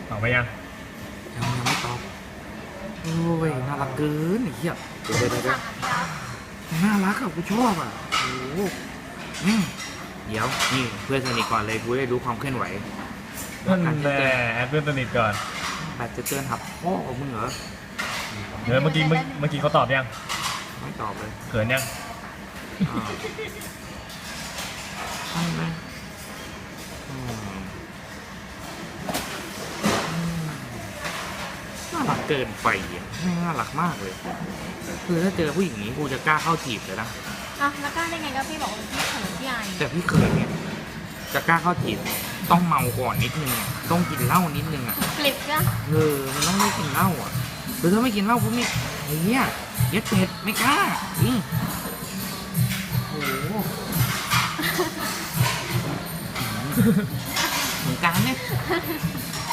ตอบไปยังยังไม่ตอบโอ้ยน่ารักเกินไอ้เหี้ยเดี๋ยวน่ารักอ่ะกูชอบอ่ะโอ้โหเดี๋ยวนี่เพื่อนสนิทก่อนเลยกูได้รู้ความเคลื่อนไหวนั่นแหละแอดเพื่อนสนิทก่อนแบบจะเตือนหับพ่อของมึงเหรอเมื่อกี้เขาตอบยังไม่ตอบเลยเขินยังใช่ไหมน่ารักเกินไปอ่ะไม่น่ารักมากเลยคือถ้าเจอผู้หญิงนี้กูจะกล้าเข้าจีบเลยนะอ่ะแล้วกล้าได้ไงก็พี่บอกว่าพี่เขินพี่อายแต่พี่เคยเนี่ยจะกล้าเข้าจีบต้องเมาก่อนนิดนึงอะต้องกินเหล้านิดนึงอ่ะกลิบจ้ะมันต้องได้กินเหล้าอ่ะหรือถ้าไม่กินเหล้ากูไม่ไอ้เหี้ยเย็ดเป็ดไม่กล้าโอ้โหเหมือนกันเนี่ย